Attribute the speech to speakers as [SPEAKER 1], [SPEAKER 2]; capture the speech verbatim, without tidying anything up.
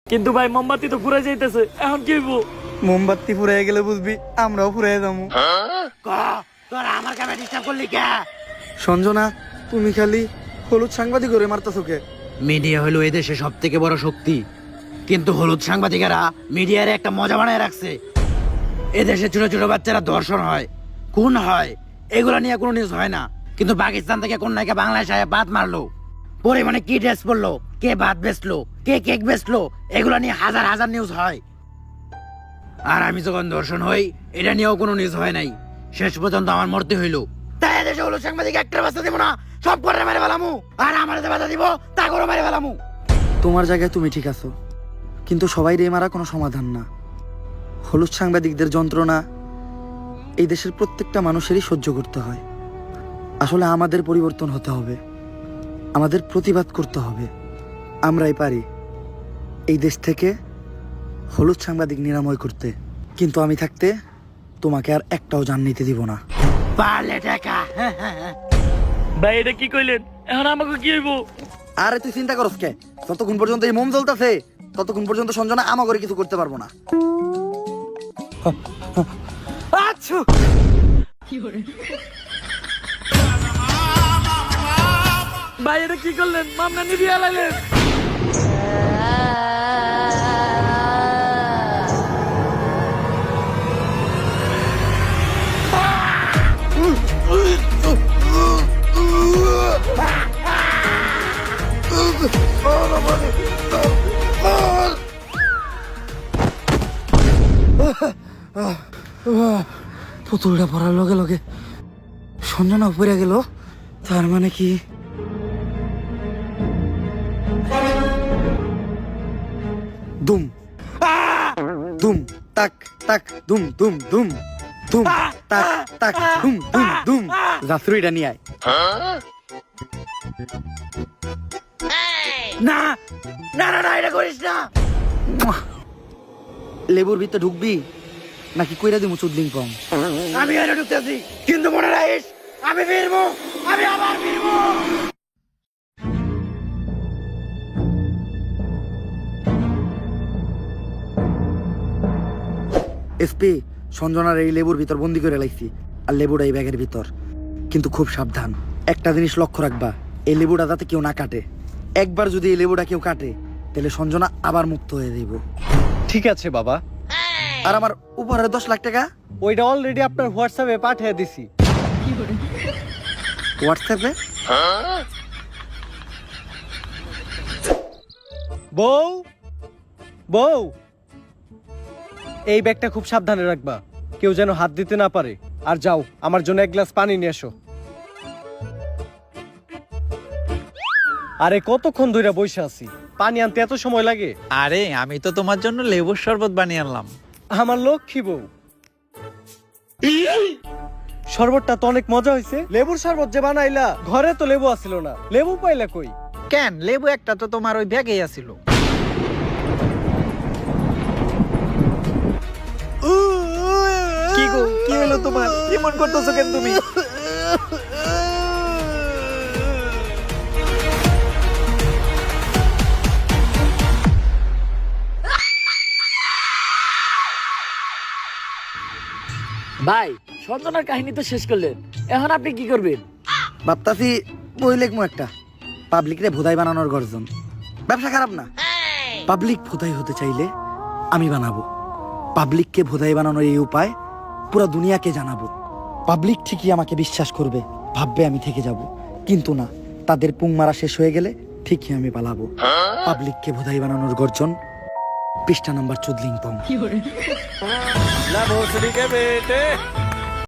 [SPEAKER 1] কিন্তু ভাই মোমবাতি তো ফুরাই যাইতেছে, এখন কি হইব?
[SPEAKER 2] মোমবাতি ফুরাই গেলে বুঝবি আমরাও ফুরাই যাবো।
[SPEAKER 3] তোরা আমার কামে ডিস্টার্ব করলি কে?
[SPEAKER 2] সঞ্জনা, তুমি খালি হলুদ সাংবাদিক করে মারতেছো কে?
[SPEAKER 3] মিডিয়া হলো এই দেশে সব থেকে বড় শক্তি, কিন্তু হলুদ সাংবাদিকেরা মিডিয়ার একটা মজা বানায় রাখছে। এদেশে ছোট ছোট বাচ্চারা ধর্ষণ হয়, খুন হয়, এগুলা নিয়ে কোনো নিউজ হয় না। কিন্তু পাকিস্তান থেকে কোন নায়িকা বাংলাদেশে আয়া বাদ মারলো, পরিমাণে কি ড্রেস পরলো, কে ভাত বেচলো, কে কেক বেচলো, এগুলা নিয়ে হাজার হাজার নিউজ হয়। আর আমি যখন ধর্ষণ হই, এটা নিয়েও কোনো নিউজ হয় নাই। শেষ পর্যন্ত আমার মরতে হইলো। তাই এদেশে হলুদ সাংবাদিক একটা বাস্তা দিব না, সব করে মেরে ফেলামু। আর আমার যে বাধা দিব তা করে মেরে ফেলামু।
[SPEAKER 2] তোমার জায়গায় তুমি ঠিক আছো, কিন্তু সবাই রে মারা কোনো সমাধান না। হলুদ সাংবাদিকদের যন্ত্রণা এই দেশের প্রত্যেকটা মানুষেরই সহ্য করতে হয়। আসলে আমাদের পরিবর্তন হতে হবে, আমাদের প্রতিবাদ করতে হবে। আমরাই পারি এই দেশ থেকে হলুদ সাংবাদিক নিরাময় করতে। কিন্তু আমি থাকতে তোমাকে আর একটাও জান নিতে দিব না।
[SPEAKER 3] পারলে টাকা।
[SPEAKER 1] ভাই এটা কি কইলেন? এখন আমাকে কি হইব?
[SPEAKER 2] আরে তুই চিন্তা করস কে? যতক্ষণ পর্যন্ত এই মোম জ্বলতেছে ততক্ষণ পর্যন্ত সঞ্জনা আমা করে কিছু করতে পারবো না।
[SPEAKER 1] আচ্ছা ভাই এটা কি করলেন? মামলা নিবি আলাইলেন।
[SPEAKER 2] পুতুলটা পড়ার লগে লগে সঞ্জনা পড়ে গেল, তার মানে কি দুম দুম তাক তাক দুম দুম দুম দুম তাক তাক দুম দুম দুম। জাফরুইটা নিয়ে আয়।
[SPEAKER 3] না না না না, এটা করিস না।
[SPEAKER 2] লেবুর ভিতরে ঢুকবি নাকি কইরা দিমু চুদলিং পং?
[SPEAKER 3] আমি এটা ঢুকতেছি, কিন্তু মনে রাখিস আমি ফিরবো, আমি আবার ফিরবো।
[SPEAKER 2] এসপি, সঞ্জনার এই লেবুর ভিতর বন্দি করে লাইছি, আর লেবুটা এই ব্যাগের ভিতর। কিন্তু খুব সাবধান, একটা জিনিস লক্ষ্য রাখবা, এই লেবুটা যাতে কেউ না কাটে। একবার যদি এই লেবুটা কেউ কাটে তাহলে সঞ্জনা আবার মুক্ত হয়ে যাইব।
[SPEAKER 4] ঠিক আছে বাবা।
[SPEAKER 2] আর আমার উপহারে দশ লাখ টাকা
[SPEAKER 4] ওইটা অলরেডি আপনার হোয়াটসঅ্যাপে পাঠিয়ে দিছি।
[SPEAKER 2] হোয়াটসঅ্যাপে?
[SPEAKER 4] বউ বউ, এই ব্যাগটা খুব সাবধানে রাখবা, কেউ যেন হাত দিতে না পারে। আর যাও, আমার জন্য এক গ্লাস পানি নিয়ে এসো। আরে কতক্ষণ ধরে বসে আছি, পানি আনতে এত সময় লাগে?
[SPEAKER 5] আরে আমি তো তোমার জন্য লেবুর শরবত বানিয়ে আনলাম।
[SPEAKER 4] আমার লক্ষ্মী বউ, শরবতটা তো অনেক মজা হয়েছে। লেবুর শরবত যে বানাইলা, ঘরে তো লেবু আসিল না, লেবু পাইলা কই?
[SPEAKER 5] কেন, লেবু একটা তো তোমার ওই ব্যাগেই আছিল। কি গো, কি হলো তোমার? কেমন করতেছো কেন তুমি?
[SPEAKER 1] ভাই সঞ্জনার কাহিনী তো শেষ করলেন, এখন আপনি কি করবেন?
[SPEAKER 2] ভাবতাছি বই লেখমু একটা, পাবলিক রে ভোদাই বানানোর গর্জন। ব্যবসা খারাপ না। পাবলিক ভোদাই হতে চাইলে আমি বানাবো। পাবলিককে ভোদাই বানানোর এই উপায় পুরো দুনিয়াকে জানাবো। পাবলিক ঠিকই আমাকে বিশ্বাস করবে, ভাববে আমি থেকে যাব। কিন্তু না, তাদের পুং মারা শেষ হয়ে গেলে ঠিকই আমি পালাবো। পাবলিককে ভোদাই বানানোর গর্জন, পৃষ্ঠা নাম্বার চুদলিং পং।
[SPEAKER 1] না ভোসড়ি কে বেটে